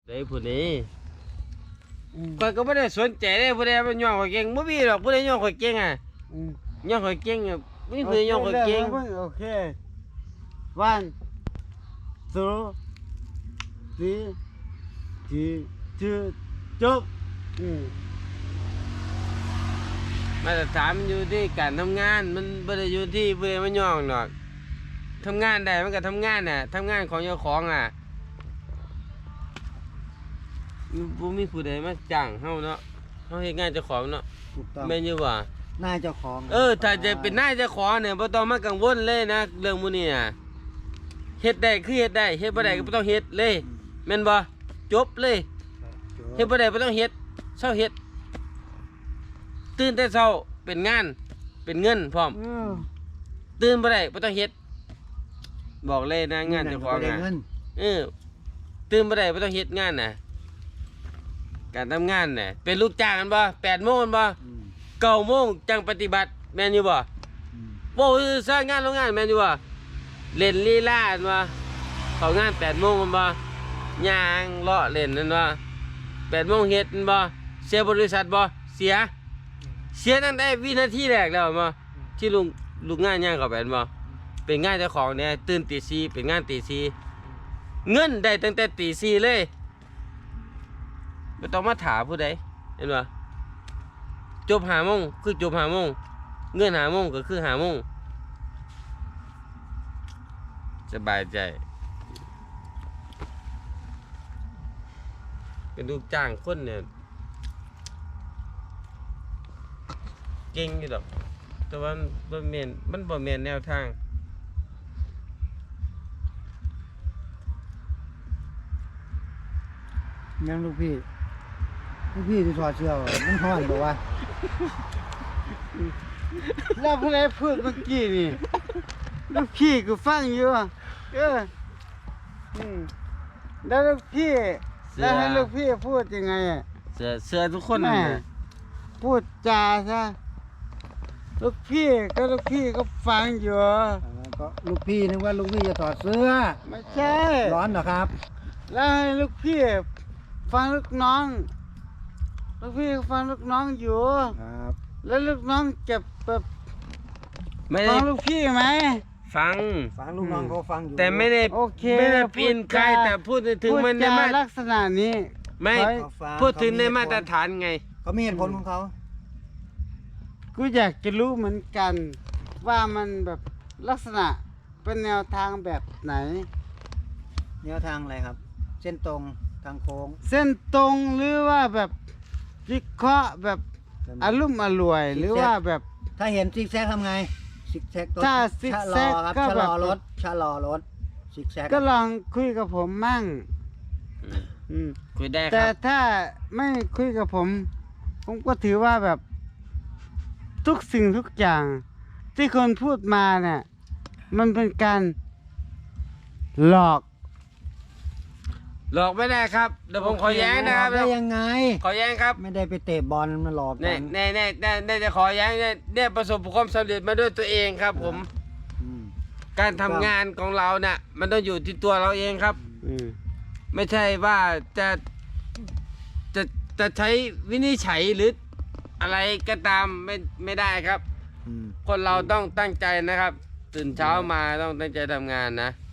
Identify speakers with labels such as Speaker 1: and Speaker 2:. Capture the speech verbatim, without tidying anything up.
Speaker 1: ได้ผู้นี้ข่อยก็ไม่ได้สนใจเลยผู้ใดมันย่องข่อยเก่งบ่มีหรอกผู้ใดย่องข่อยเก่งอ่ะย่องข่อยเก่งอ่ะมีผู้ใดย่องข่อยเก่ง
Speaker 2: โอเควันสองสี่สี่จุดจบ
Speaker 1: มาตรฐานมันอยู่ที่การทำงานมันไม่ได้อยู่ที่ผู้ใดมันย่องหรอกทำงานได้มันก็ทำงานน่ะทำงานของเจ้าของอ่ะบ่มีผู้ใดมาจ้างเฮาเนาะเฮาเฮ็ดงานเจ้าของเนาะแม่นอยู่บ่
Speaker 2: นายเจ้าของ
Speaker 1: เออถ้าจะเป็นนายเจ้าของเนี่ยบ่ต้องมากังวลเลยนะเรื่องมื้อนี้น่ะเฮ็ดได้คือเฮ็ดได้เฮ็ดบ่ได้ก็บ่ต้องเฮ็ดเลยแม่นบ่จบเลยเฮ็ดบ่ได้บ่ต้องเฮ็ดเช้าเฮ็ดตื่นแต่เช้าเป็นงานเป็นเงินพร้อมตื่นบ่ได้บ่ต้องเฮ็ดบอกเลยนะงานเจ้าของอ่ะเออตื่นบ่ได้บ่ต้องเฮ็ดงานน่ะการทำงานน่ะเป็นลูกจ้างกันบ่แปดโมงกันบ่เก้าโมงจังปฏิบัติแม่นอยู่บ่โว้สร้างงานโรงงานแม่นอยู่บ่เล่นลีลาอันบ่เข้างานแปดโมงกันบ่ย่างเลาะเล่นนั่นบ่แปดโมงเฮ็ดนั่นบ่เสียบริษัทบ่เสียเสียตั้งแต่วินาทีแรกแล้วบ่ที่ลุงลูกงานย่างเข้าไปนั่นบ่เป็นงานเจ้าของเนี่ยตื่นตีสี่เป็นงานตีสี่เงินได้ตั้งแต่ตีสี่เลยไม่ต้องมาถามผู้ใดเห็นป่ะจบหาโมงคือจบหาโมงเงินหาโมงก็คือหาโมงสบายใจเป็นลูกจ้างคนเนี่ยเก่งอยู่ดอกแต่ว่าบ่แม่นมันบ่แม่นแนวทาง
Speaker 2: ยังลูกพี่ลูกพี่ที่ถอดเสื้อมันห้อนบอกว่าแล้วผู้ใดพูดเมื่อกี้นี่ลูกพี่ก็ฟังอยู่เออแล้วลูกพี่แล้วให้ลูกพี่พูดยังไงอ่ะ
Speaker 1: เสือเสือทุกคนนะ
Speaker 2: พูดจาซะลูกพี่ก็ลูกพี่ก็ฟังอยู่ก็ลูกพี่นึกว่าลูกพี่จะถอดเสื้อไม่ใช่ร้อนเหรอครับแล้วให้ลูกพี่ฟังลูกน้องลูกพี่ฟังลูกน้องอยู่ครับแล้วลูกน้องเก็บแบบฟังลูกพี่ไหม
Speaker 1: ฟัง
Speaker 2: ฟังลูกน้องเขาฟังอยู่
Speaker 1: แต่ไม่ได้ไม่ได้ปีนใครแต่พูดถึงมันในมา
Speaker 2: ลักษณะนี้
Speaker 1: ไม่พูดถึงในมาตรฐานไง
Speaker 2: เขามีเหตุผลของเขากูอยากจะรู้เหมือนกันว่ามันแบบลักษณะเป็นแนวทางแบบไหนแนวทางอะไรครับเส้นตรงทางโค้งเส้นตรงหรือว่าแบบวิเคราะห์แบบอารมณ์อร่วยหรือว่าแบบถ้าเห็นซิกแซกทำไงซิกแซกถ้าซิกแซกก็แบบชะลอรถชะลอรถซิกแซกก็ลองคุยกับผมมั่ง
Speaker 1: คุยได้ครับ
Speaker 2: แต่ถ้าไม่คุยกับผมผมก็ถือว่าแบบทุกสิ่งทุกอย่างที่คนพูดมาเนี่ยมันเป็นการหลอก
Speaker 1: หลอกไม่ได้ครับเดี๋ยวผมขอแย้งนะครับ
Speaker 2: ได้ยังไง
Speaker 1: ขอแย้งครับ
Speaker 2: ไม่ได้ไปเตะบอลมาหลอก
Speaker 1: กันแน่แน่แน่แน่จะขอแย้งเนี่ยได้ประสบความสำเร็จมาด้วยตัวเองครับผมการทำงานของเราเนี่ยมันต้องอยู่ที่ตัวเราเองครับไม่ใช่ว่าจะจะจะใช้วินิจฉัยหรืออะไรก็ตามไม่ไม่ได้ครับคนเราต้องตั้งใจนะครับตื่นเช้ามาต้องตั้งใจทำงานนะ